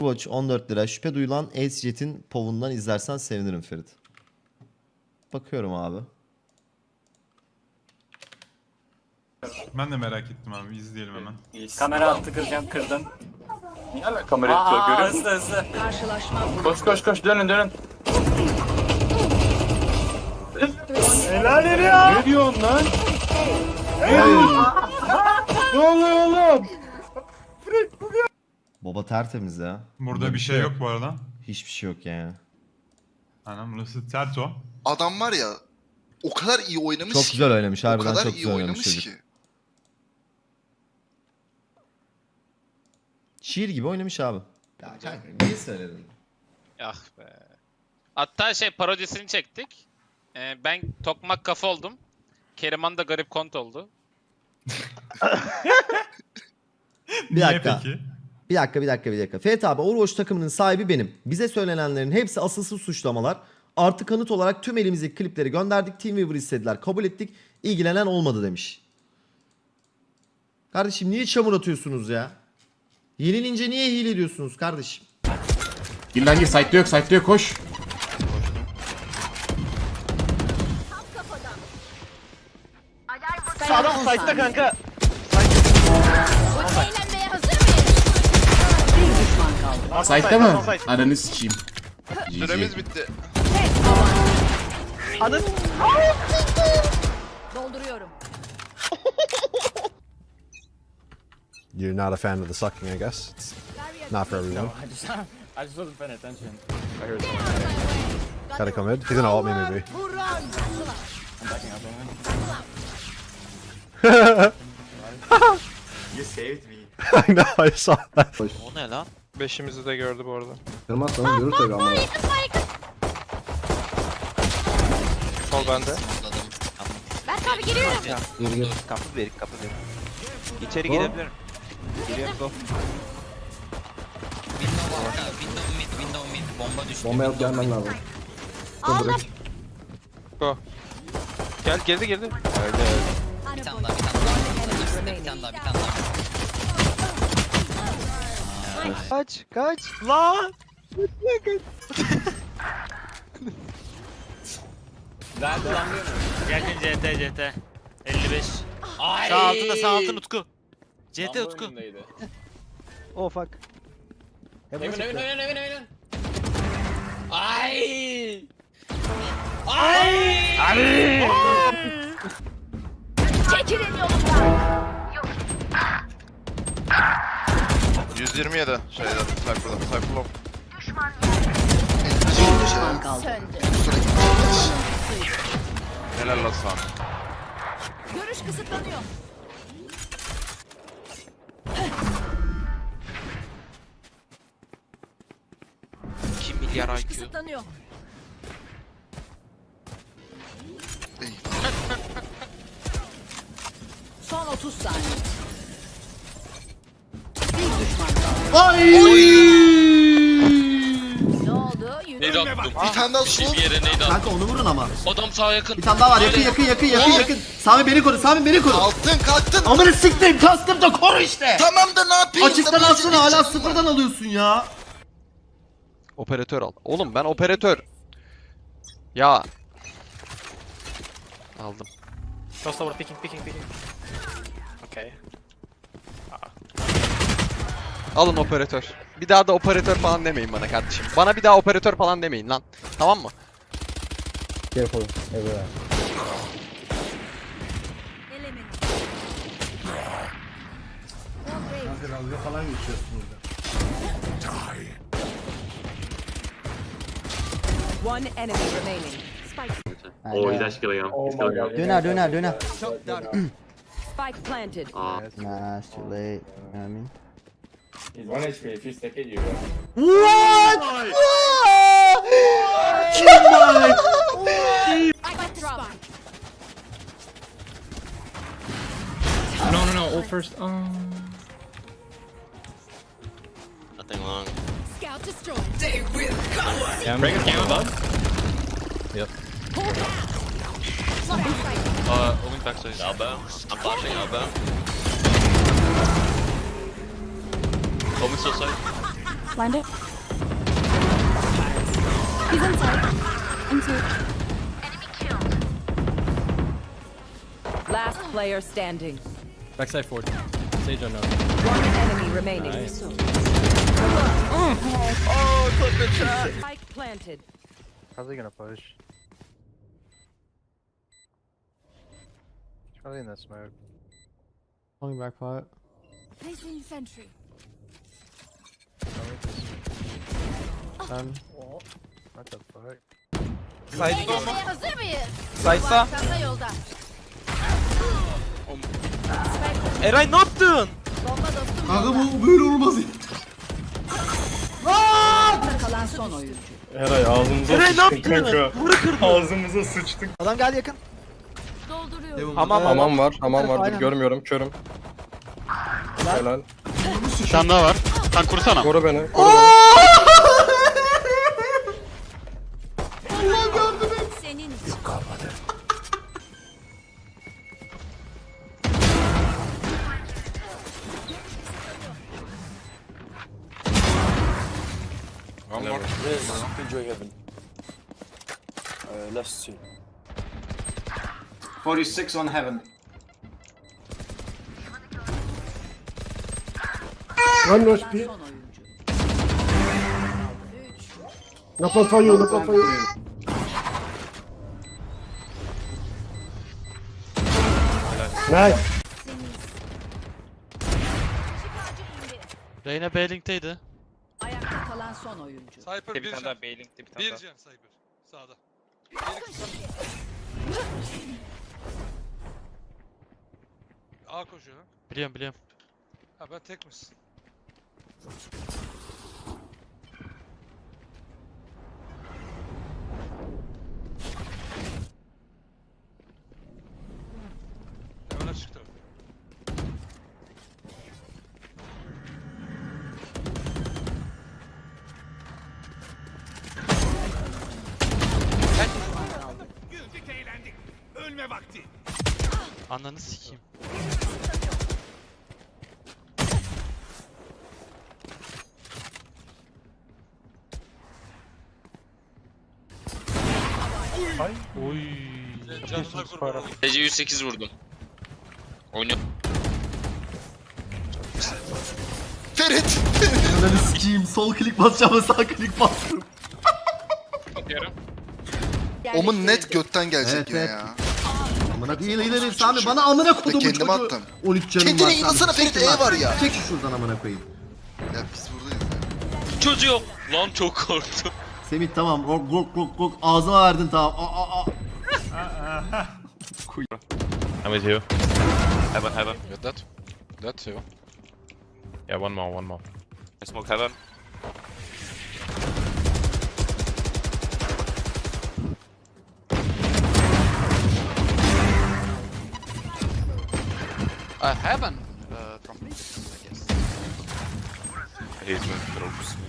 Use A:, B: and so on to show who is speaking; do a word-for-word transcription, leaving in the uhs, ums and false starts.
A: Watch on dört lira. Şüphe duyulan Ace-Jet'in povundan izlersen sevinirim Ferit. Bakıyorum abi.
B: Ben de merak ettim abi. İzleyelim hemen.
C: Kamera attı kıracağım kırdım.
D: Niye hala kamera yapıyor
C: Aa
D: görüyor musun?
C: hızlı hızlı.
E: Karşılaşma.
D: Koş koş koş dönün dönün.
C: Helal ya.
D: Ne diyorsun lan? Ne oluyor oğlum?
A: Baba tertemiz ya.
B: Burada bir şey yok bu arada.
A: Hiçbir şey yok yani.
B: Anam burası Terto.
F: Adam var ya o kadar iyi oynamış
A: Çok
F: ki.
A: güzel oynamış.
F: O
A: Harbiden
F: kadar
A: çok
F: iyi
A: güzel oynamış
F: oynamış
A: çocuk.
F: ki.
A: Şiir gibi oynamış abi. Ya kanka niye söyledin?
G: Ah be. Hatta şey parodisini çektik. Ee, ben tokmak kafa oldum. Keriman da garip kont oldu.
A: Bir
B: Niye
A: dakika.
B: peki?
A: Bir dakika bir dakika bir dakika. Ferit abi Overwatch takımının sahibi benim. Bize söylenenlerin hepsi asılsız suçlamalar. Artı kanıt olarak tüm elimizdeki klipleri gönderdik. Teamweaver istediler. Kabul ettik. İlgilenen olmadı demiş. Kardeşim niye çamur atıyorsunuz ya? Yenilince niye hile ediyorsunuz kardeşim?
H: Gir lan gir, site'de yok, site'de yok, koş.
E: Sağdan site'da kanka. Eğlenmeye hazır mıyız? Bir düşman kaldı.
H: Site'de mi? Aranı sikeyim.
F: Süremiz bitti.
E: Dolduruyorum.
I: You're not a fan of the sucking, I guess. It's not for everyone.
C: I just, I just wasn't paying attention. I heard
I: Gotta come in. He's gonna ult me, maybe.
C: I'm backing up on him.
D: You saved me.
I: I know, I saw that.
G: O ne lan?
J: Beşimizi de gördü bu arada.
I: Kırmazsanız görür tabii ama.
J: Sol bende.
E: Berk abi giriyorum.
G: Kapı ver, kapı ver. İçeri girebilirim. Giriyorum go.
K: Window arka, window mid, window mid. Bomba düştü.
I: Bomba alıp gelmen lazım.
E: Aldım.
J: Go. Gel girdi girdi. Öyle öyle.
K: Bir tane daha, bir tane daha. İkisi de bir tane daha, bir tane daha.
J: Kaç kaç. Lan.
C: Verdi lan diyor mu?
G: Geldin C T C T. elli beş.
C: Ay.
G: Sağ altında sağ altın Utku. C T Utku.
J: Oh fuck.
C: Evin evin evin evin evin. Ay. Ay.
E: Çekilin yolumdan.
F: yüz yirmi yedi şeyde Cypher'da. Cypher'da.
E: Bir düşman kaldı. Söndü.
F: Helal lan sana.
E: Görüş kısıtlanıyor.
G: iki milyar
E: Görüş
G: I Q.
E: kısıtlanıyor.
F: İyi.
E: Son otuz saniye. Bir düşman kaldı.
A: Ay!
E: Ne oldu? Yürü.
G: Neydi attım?
F: Bir tane daha sol.
G: Bir yere neydi attım?
A: Kanka onu vurun ama.
G: Adam sağa yakın.
A: Bir tane daha var. Yakın yakın yakın yakın yakın. Sami beni koru. Sami beni koru.
F: Kalktın kalktın.
A: Amına siktim. Kastım da koru işte.
F: Tamam da ne yapayım?
A: Açıktan
F: Da
A: alsana hala
F: bence
A: sıfırdan alıyorsun ya.
J: Operatör al. Oğlum ben operatör. Ya. Aldım.
C: Cross over picking picking picking. Okay.
J: Alın operatör. Bir daha da operatör falan demeyin bana kardeşim. Bana bir daha operatör falan demeyin lan. Tamam mı?
I: Careful, everywhere.
E: One enemy remaining.
D: Oh, he's actually killing him. He's killing him.
A: Döner döner döner.
E: Spike planted.
A: Nah, it's too late. You know what I mean?
D: He's one H P. If you stick it, you
A: What?
E: I got the spike.
C: No no no. All first. Oh.
G: Nothing long.
E: Scout destroyed.
C: Yeah, break it down, bud.
G: Uh, going back side. Elbow. I'm flashing elbow. Omen still side.
E: Blind it. He's inside. Inside. Last player standing.
C: Backside forward. Sage unknown.
E: One enemy remaining.
C: Nice.
J: Oh, clip the chat.
E: Spike planted.
C: Probably gonna push. Probably in that smoke.
I: Pulling back pot.
E: Placing sentry.
I: Done.
C: What the fuck?
J: Side'da mı?
E: Hazır mıyız?
J: Side'da.
E: Çanta yolda.
J: Eray ne yaptın?
E: Bomba dostum
A: Kanka
E: yolda.
A: bu böyle olmaz ya.
E: Ayakta kalan son oyuncu.
D: Eray ağzımıza
J: Eray ne
D: sıçtık
J: yaptın?
D: kanka.
J: Vuru kırdın.
D: Ağzımıza sıçtık.
J: Adam geldi yakın.
E: Dolduruyorum.
J: Hamam
D: Hamam var, hamam var.
J: Aynen.
D: Dur görmüyorum, körüm. Helal.
C: Bir tane daha var. Sen kursana.
D: Koru beni, koru beni.
E: Senin için.
D: One more.
H: forty-six on heaven.
D: One more
E: Son oyuncu.
D: Knock on for you, knock on for you. Nice.
C: Reyna B-Link'teydi.
E: Ayakta kalan son oyuncu.
J: Cypher
G: Bir tane daha Bailing bir tane daha.
J: can Cypher. Sağda. A koşuyor.
C: Biliyorum biliyorum.
J: Ha ben tek misin? Hemen çıktı.
C: Ananı sikeyim. Oy.
J: Canına kurban.
G: Gece yüz sekiz vurdum. Oynuyor.
F: Ferit!
A: Ananı sikeyim. Sol klik basacağım sağ klik bastım.
G: Atıyorum.
F: Omun net götten gelecek
A: Evet,
F: yine
A: evet.
F: ya.
A: Amına değil ileri Sami bana amına kodumu çocuğu.
F: kendime attım.
A: on üç canım
F: Kendine
A: var.
F: inansana
A: Sami.
F: Ferit,
A: Çek
F: E
A: lan.
F: var ya.
A: Çek şu şuradan amına koyayım.
F: Ya biz buradayız ya.
G: Çocuğu. Lan çok korktum.
A: Semih tamam. Rok rok rok rok ağzıma verdin tamam. Aa aa aa.
C: I'm with you.
G: Heaven heaven.
J: Got that. That too.
C: Yeah, one more, one more.
G: I smoke heaven.
J: Uh, heaven. Uh, from me, I guess.
G: He's moving.